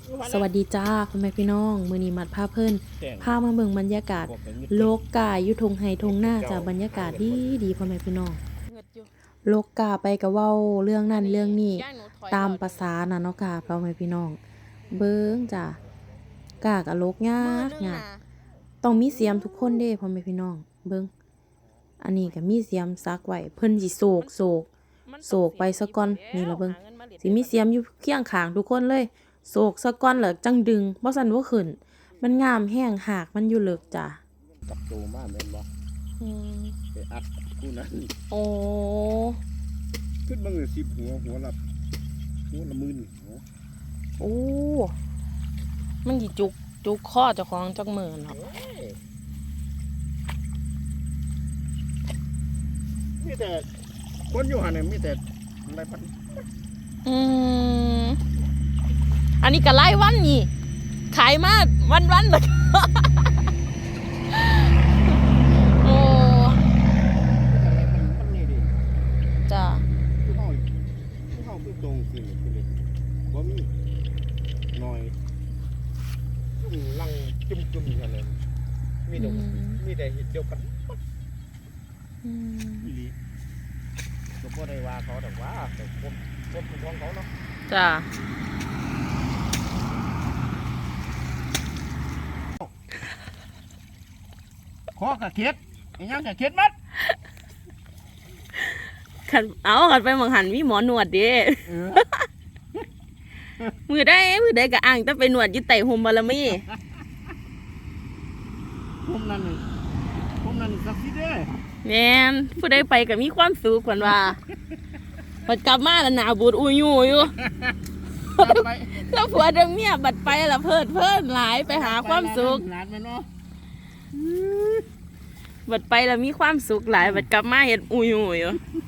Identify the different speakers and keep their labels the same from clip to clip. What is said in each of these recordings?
Speaker 1: สวัสดีจ้าพ่อแม่พี่น้องมื้อนี้มัดพาเพิ่นพามาเบิ่งบรรยากาศโลกกาอยู่ทงไห้ทงหน้าจ้าบรรยากาศดีพ่อแม่พี่น้องโลกกาไปก็เว้าเรื่องนั้นเรื่องนี้ตามภาษาน่ะเนาะค่ะพ่อแม่พี่น้องเบิ่งจ้ากาก็โลกยากต้องมีเสียมทุกคนเด้พ่อแม่พี่น้องเบิ่งอันนี้ก็มีเสียมซักไว้เพิ่นสิโศกไปซะก่อนนี่ล่ะเบิ่งสิมีเสียมอยู่เคียงข้างทุกคนเลยโศกซะก่อนแล้วจังดึงบ่ซั่นบ่ขึ้นมันงามแฮงหากมันอยู่เลิกจ้ะ
Speaker 2: จับโตมาแม่นบ่ไปอัดกูนั้น
Speaker 1: โอ้
Speaker 2: ขึ้นมาเลย10หัวละหมื่น
Speaker 1: โอ้มันสิจุกคอเจ้าของจักมื้อเนาะ
Speaker 2: มีแต่คนอยู่หั่นน่ะมีแต่อะไรพัน
Speaker 1: อันนี้ก็รายวันนี่ขายมาวันๆล่ะโอ้
Speaker 2: มันนี่ดิ
Speaker 1: จ้ะ
Speaker 2: คือเฮาคือตรงสิคือเลยบ่มีน้อยลังจุ่มกันเลยมีแต่เฮ็ดเดียวกันอีหลีก็บ่ได้ว่าเขาแต่ว่าแต่คนของเขาเนาะ
Speaker 1: จ้ะ
Speaker 2: ขอกะเข็ดอีหยังกะเข็ดมัด
Speaker 1: ขันไปมังหันมีหมอหนวดดิมือได้ก็อ่างแต่ไปหนวดอยู่ไต่ห่มบารมี
Speaker 2: ผมนั่นสักทีเด้
Speaker 1: แม่นผู้ใดไปก็มีความสุขกว่าว่าพอกลับมาแล้วหน้าบูดอุ้ยอยู่ถ้าผัวเดิมเมียบัดไปแล้วเพิ่นหลายไปหาความสุขบัดไปแล้วมีความสุขหลายบัดกลับมาเฮ็ดอุ้ยอยู่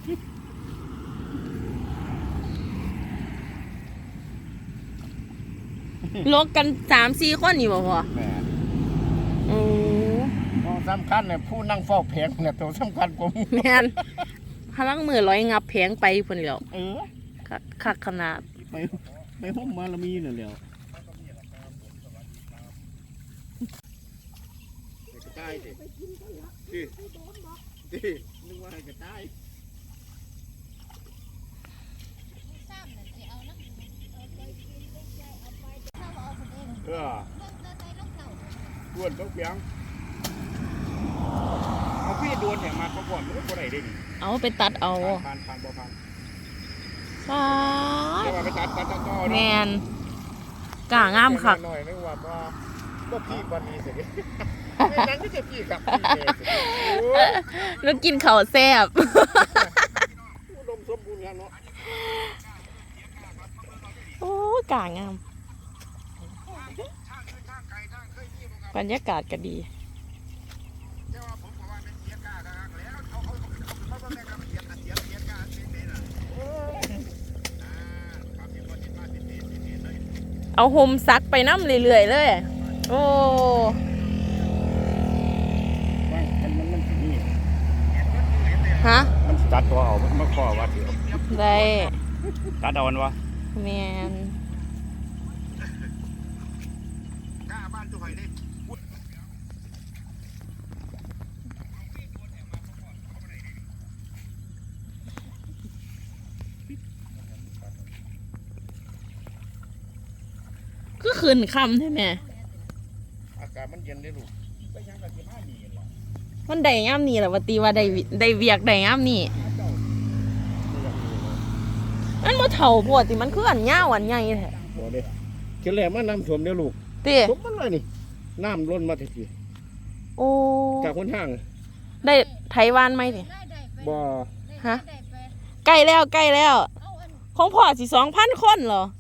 Speaker 1: ลกกัน 3-4 คนนี่บ่พอโอ้
Speaker 2: สำคัญเนี่ยผู้นั่งเฝ้าแผงเนี่ยตัวสำคัญผม
Speaker 1: แม่นพลังมือร้อยงับแผงไปพุ่นแล้วคักขนาด
Speaker 2: ไปห้องมาละมีนั่นแหละกระต่ายดินึกว่าให้กระต่ายดวนต้องเพียงเอาพี่ดวนเนี่ยมาเขาก่อนมันก็ได้ดิ
Speaker 1: เอาไปตัดเอา
Speaker 2: ผ่านบ่ผ่าน
Speaker 1: เ
Speaker 2: ดี๋ยวไปตัดต่อ
Speaker 1: แมนก่างามคัก
Speaker 2: หน่อยนึกว่าก็พี่วันนี้สินั่นก็จะพี่กับ
Speaker 1: แล้วกินข้าวแซ่บ
Speaker 2: อุดมสมบูรณ์กันเนาะ
Speaker 1: โอ้ก่างามบรรยากาศก็ดีเอาห่มซักไปน้ำเรื่อยๆเลยโอ้ฮะ
Speaker 2: มันตัดตัวเอามันข้อว่าเถอะ
Speaker 1: ได้
Speaker 2: ตัดเอาวะ
Speaker 1: แมนก็คืนคำใช่ไหม
Speaker 2: อากาศมันเย็นเลยลูกไปยังกับ15 นี่แหละ
Speaker 1: มันได้ย่ำนี่แหละว่าตีว่าได้เวียกได้ย่ำนี่มันบ่เท่าปวดติมันคืออันยาวอันใหญ่แท้
Speaker 2: บ่เด้เขียนแหลมมาน้ำท่วมเด้อลูก
Speaker 1: ติ
Speaker 2: ท่วมมันเลยนี่น้ำล้นมาที
Speaker 1: โอ้
Speaker 2: จากคนทาง
Speaker 1: ได้ไถวานไหมติ
Speaker 2: บ่
Speaker 1: ฮะใกล้แล้วของพ่อสิ 2,000 คนเหรอ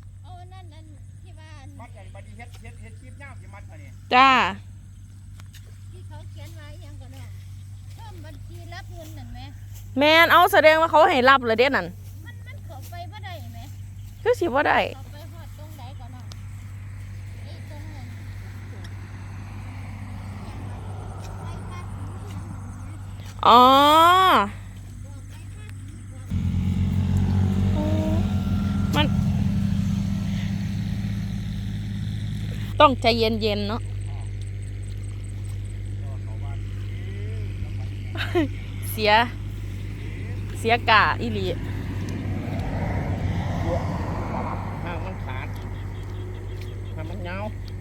Speaker 1: จ้าที่เขาเขียนไว้ยังก่อนเนาะเพิ่มบัญชีรับเงินนั่นไหมแม่นเอาแสดงว่าเขาให้รับเลยเด้นั่นมันเข้าไปบ่ได้ไหมคือสิบ่ได้เข้าไปฮอดตรงไหนก่อนเนาะไอ้ตรงนั้นอ๋อต้องใจเย็นๆเนาะ เสียกะอีหลี
Speaker 2: หางมันขาดหางมันยาว